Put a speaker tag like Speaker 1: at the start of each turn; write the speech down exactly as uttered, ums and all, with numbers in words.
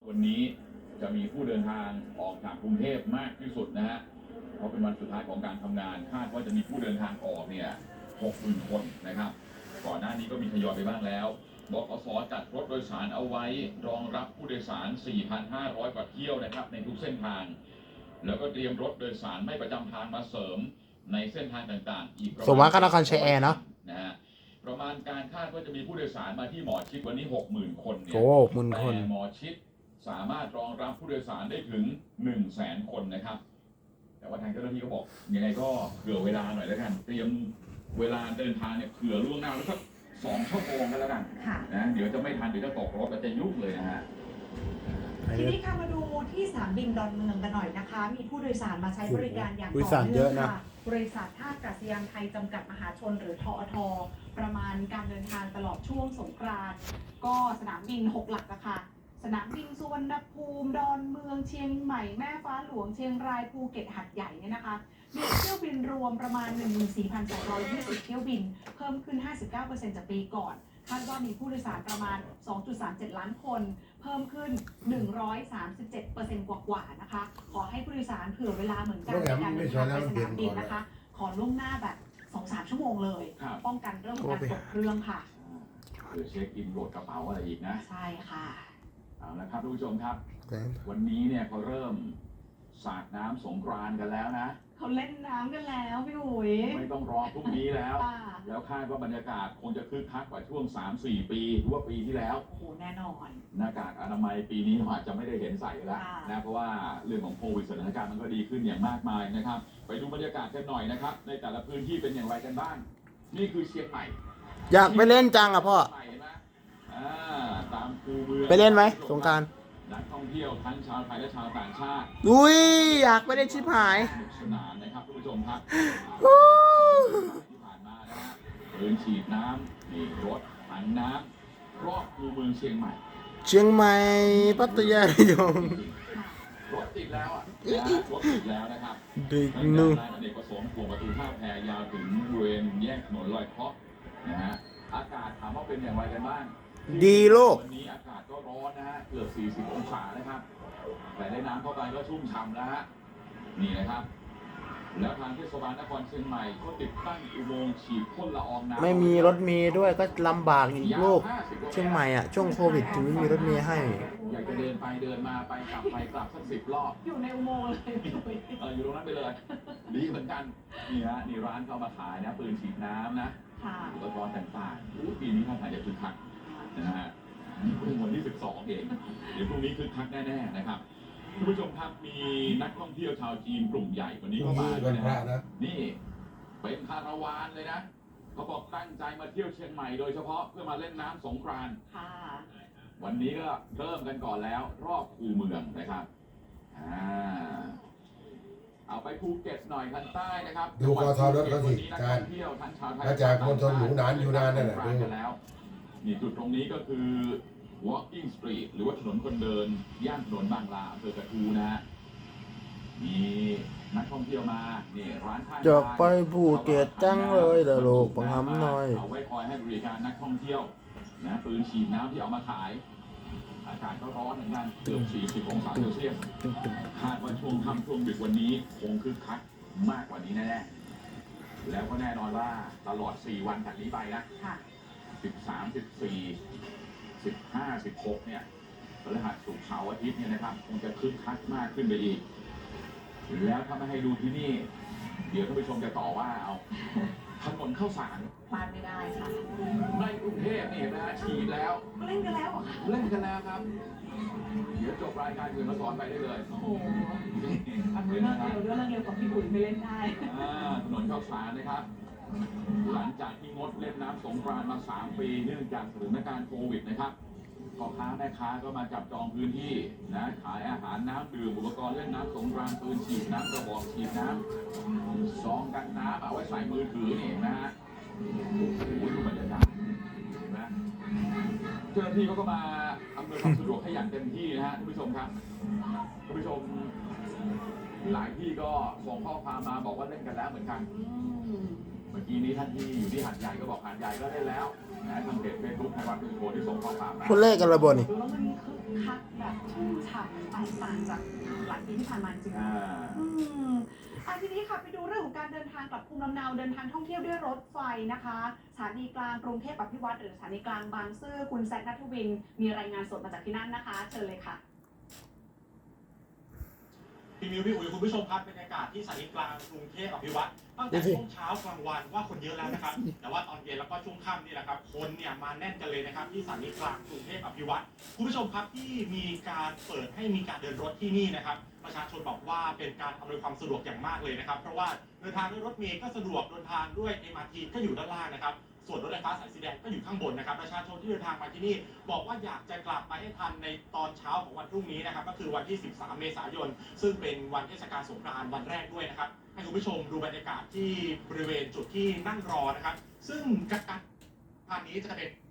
Speaker 1: วันนี้จะมีผู้เดินทางออกจากกรุงเทพมากที่สุดนะฮะเพราะเป็นวันสุดท้ายของการทำงานคาดว่าจะมีผู้เดินทางออกเนี่ยหกหมื่นคนนะครับก่อนหน้านี้ก็มีทยอยไปบ้างแล้วบขสจัดรถโดยสารเอาไว้รองรับผู้โดยสาร สี่พันห้าร้อย กว่าเที่ยวนะครับในทุกเส้นทางแล้วก็เตรียมรถโดยสารไม่ประจำทางมาเสริมในเส้นทางต่างๆอีกประมาณ
Speaker 2: สมว่าก็นครชัยแอร์เนาะ
Speaker 1: นะฮะประมาณการคาดว่าจะมีผู้โดยสารมาที่หมอชิดวันนี้ หกหมื่น คนเนี่ย
Speaker 2: โอ้หมื่นคน
Speaker 1: แต่หมอชิดสามารถรองรับผู้โดยสารได้ถึง หนึ่งแสน คนนะครับแต่ว่าทางเจ้าหน้าที่ก็บอกยังไงก็เผื่อเวลาหน่อยแล้วกันเตรียมเวลาเดินทางเนี่ยเผื่อล่วงหน้าแล้วสักสองชั่วโมงกันแล้วกันนะเดี๋ยวจะไม่ทันเดี๋ยวจะตกรถจะยุ่งเลยนะฮะ
Speaker 3: ทีนี้ค่ะมาดูที่สนามบินดอนเมืองกันหน่อยนะคะมีผู้โดยสารมาใช้บริการอย่างต่อเนื่องค่ะบริษัทท่าอากาศยานไทยจำกัดมหาชนหรือทอทประมาณการเดินทางตลอดช่วงสงกรานต์ก็สนามบินหกหลักอะค่ะสนามบินสุวรรณภูมิดอนเมืองเชียงใหม่แม่ฟ้าหลวงเชียงรายภูเก็ตหัดใหญ่เนี่ยนะคะมีเที่ยวบินรวมประมาณ หนึ่งหมื่นสี่พันสองร้อยยี่สิบ เที่ยวบินเพิ่มขึ้น ห้าสิบเก้าเปอร์เซ็นต์ จากปีก่อนคาดว่ามีผู้โดยสารประมาณ สองจุดสามเจ็ด ล้านคนเพิ่มขึ้น หนึ่งร้อยสามสิบเจ็ดเปอร์เซ็นต์ กว่าๆนะคะขอให้ผู้โดยสารเผื่อเวลาเหมือนกันในการเดินทางไปสนามบินนะคะขอล่วงหน้าแบบ สองถึงสาม ชั่วโมงเลยป้องกันเรื่องของการตกเครื่องค่ะ
Speaker 1: เผื่อเช็คอินโหลดกระเป๋าอะไรอีกนะ
Speaker 3: ใช่ค่ะ
Speaker 1: เอาละครับทุกผู้ชมครับวันนี้เนี่ยเขาเริ่มสาดน้ำสงกรานต์กันแล้วนะ
Speaker 3: เขาเล่นน้ำกันแล้วพี่อุ๋ย
Speaker 1: ไม่ต้องรอพรุ่งนี้แล้วแล้วคาดว่าบรรยากาศคงจะคึกคักกว่าช่วง สามสี่ ปีหรือว่าปีที่แล้ว
Speaker 3: โอ้โหแน่นอน
Speaker 1: หน้ากากอนามัยปีนี้อาจจะไม่ได้เห็นใส่แล้วนะเพราะว่าเรื่องของโควิดสถานการณ์มันก็ดีขึ้นอย่างมากมายนะครับไปดูบรรยากาศกันหน่อยนะครับในแต่ละพื้นที่เป็นอย่างไรกันบ้างนี่คือเชียงใหม่
Speaker 2: อยากไปเล่นจังอ่ะพ่อ
Speaker 1: ตามคูเมือง
Speaker 2: ไปเล่นไหมสงกรานต์
Speaker 1: นักท่องเที่ยวทั้งชาวไทยและชาวต่างชาติ
Speaker 2: อุ้ยอยากไปเล่นชิบหาย
Speaker 1: สนุกสนานนะครับทุกผู้ชมครับที่ผ่านมานะฮะปืนฉีดน้ำนี่รถถังน้ำรอบคูเมืองเชียงใหม่
Speaker 2: เชียงใหม่พัทยาระยอง
Speaker 1: รถติดแล้วอ่ะรถติดแล้วนะครับ
Speaker 2: ดึก
Speaker 1: นู่นอเนกประสงค์ขวงประตูท่าแพยาวถึงบริเวณแยกถนนลอยเคราะห์นะฮะอากาศถามว่าเป็นอย่างไรกันบ้าง
Speaker 2: ดีโลก
Speaker 1: วันนี้อากาศก็ร้อนนะฮะเกือบสี่สิบองศานะครับแต่ได้น้ำเข้าไปก็ชุ่มฉ่ำแล้วฮะนี่นะครับแล้วทางเทศบาลนครเชียงใหม่ก็ติดตั้งอุโมงค์ฉีดพ่นละอองน้ำ
Speaker 2: ไม่มีรถเมล์ด้วยก็ลำบากอีกโลกเชียงใหม่อ่ะช่วงโควิดถึงไม่มีรถเมล์ให้
Speaker 1: อยากจะเดินไปเดินมาไปกลับไปกลับสักสิบรอบ
Speaker 3: อยู่ในอุโมงค์เลย
Speaker 1: เอออยู่ตรงนั้นไปเลยดีเหมือนกันนี่ฮะนี่ร้านเข้ามาขายนะปืนฉีดน้ำนะอุปกรณ์ต่างๆปีนี้ท่าทางจะคึกคักนะฮะนี่เพิ่งวันที่สิบสองเองเดี๋ยวพรุ่งนี้คึกคักแน่ๆนะครับคุณผู้ชมครับมีนักท่องเที่ยวชาวจีนกลุ่มใหญ่วันนี้เข้ามาด้วยนะนี่เป็นคาราวานเลยนะเขาบอกตั้งใจมาเที่ยวเชียงใหม่โดยเฉพาะเพื่อมาเล่นน้ำสงกรานต์วันนี้ก็เริ่มกันก่อนแล้วรอบคูเมืองนะครับอ่าเอาไปภูเก็ตหน่อยทางใต้นะครับ
Speaker 4: ดูกทรถเขาสิการถ้าจากมณฑลหนูหนานอยู่นานนั่นแหละดู
Speaker 1: นี่จุดตรงนี้ก็คือ walking street หรือว่าถนนคนเดินย่านถนนบางลาอำเภอกระทู้นะฮะมีนักท่องเที่ยวมานี่ร้านข้าง
Speaker 2: จะไปภูเก็ตจังเลยเดี๋ยวโลกบังคับหน่อย
Speaker 1: เอาไว้คอยให้บริการนักท่องเที่ยวนะปืนฉีดน้ำที่เอามาขายอากาศก็ร้อนเหมือนกันเกือบสี่สิบองศาเซลเซียสคาดว่าช่วงค่ำช่วงดึกวันนี้คงคึกคักมากกว่านี้แน่ๆแล้วก็แน่นอนว่าตลอดสี่วันจากนี้ไปนะสิบสาม สิบสี่ สิบห้า สิบหกเนี่ยพฤหัสศุกร์เสาร์อาทิตย์เนี่ยนะครับคงจะคึกคักมากขึ้นไปอีกแล้วถ้าไม่ให้ดูที่นี่เดี๋ยวท่านผู้ชมจะต่อว่าเอาถนนข้าวสาร
Speaker 3: พลาดไม่ได้ค่ะ
Speaker 1: ในกรุงเทพนี่เห็นไหมฮะฉีดแล้ว
Speaker 3: เล่นกันแล้ว
Speaker 1: เล่นกันแล้วครับเดี๋ยวจบรายการคืนมาสอนไปได้เลย
Speaker 3: โอ้โหอันนี้เรื่องเร็วเรื่องเร็วกับพี่บุ๋ยไม่เล่นได้
Speaker 1: ถนนข้าวสารนะครับหลังจากที่งดเล่นน้ำสงกรานต์มาสามปีเนื่องจากสถานการณ์โควิดนะครับพ่อค้าแม่ค้าก็มาจับจองพื้นที่นะขายอาหารน้ำดื่มอุปกรณ์เล่นน้ำสงกรานต์ปืนฉีดน้ำกระบอกฉีดน้ำซองกันน้ำเอาไว้ใส่มือถือนี่นะฮะโอ้โหดูบรรยากาศนะเจ้าหน้าที่เขาก็มาอำนวยความสะดวกให้อย่างเต็มที่นะฮะท่านผู้ชมครับท่านผู้ชมหลายที่ก็ส่งข้อความมาบอกว่าเล่นกันแล้วเหมือนกันเมื่อกี้นี้ท่านที่อยู่ที่หาดใหญ่ก็บอกหาดใหญ่ก็เล่นแล้วนะทางเพจเฟซบุ๊กไทยวันเป็นโพที่ส่งข้อความมา
Speaker 2: คนแรกกันระบนี่
Speaker 3: แล้วมันคึกคักแบบชุ่มฉค่ะแตกต่างจากหลายปีที่ผ่านมาจริง
Speaker 1: อ่า
Speaker 3: ๆอืมอ่ะทีนี้ค่ะไปดูเรื่องของการเดินทางกลับภูมิลำเนาเดินทางท่องเที่ยวด้วยรถไฟนะคะสถานีกลางกรุงเทพอภิวัตรหรือสถานีกลางบางซื่อคุณแซคณัฐวินมีรายงานสดมาจากที่นั่นนะคะเชิญเลยค่ะ
Speaker 5: พี่มิวพี่อุ๋ยคุณผู้ชมครับบรรยากาศที่สถานีกลางกรุงเทพอภิวัตรตั้งแต่ช่วงเช้ากลางวันว่าคนเยอะแล้วนะครับ แต่ว่าตอนเย็นแล้วก็ช่วงค่ำนี่แหละครับคนเนี่ยมาแน่นกันเลยนะครับที่สถานีกลางกรุงเทพอภิวัตรคุณผู้ชมครับที่มีการเปิดให้มีการเดินรถที่นี่นะครับประชาชนบอกว่าเป็นการอำนวยความสะดวกอย่างมากเลยนะครับเพราะว่าเดินทางด้วยรถเมล์ก็สะดวกเดินทางด้วย เอ็ม อาร์ ที ก็อยู่ด้านล่างนะครับส่วนรถไฟฟ้าสายสีแดงก็อยู่ข้างบนนะครับประชาชนที่เดินทางมาที่นี่บอกว่าอยากจะกลับไปให้ทันในตอนเช้าของวันพรุ่งนี้นะครับก็คือวันที่สิบสามเมษายนซึ่งเป็นวันเทศกาลสงกรานต์วันแรกด้วยนะครับให้คุณผู้ชมดูบรรยากาศที่บริเวณจุดที่นั่งรอนะครับซึ่งการทางนี้จะเป็น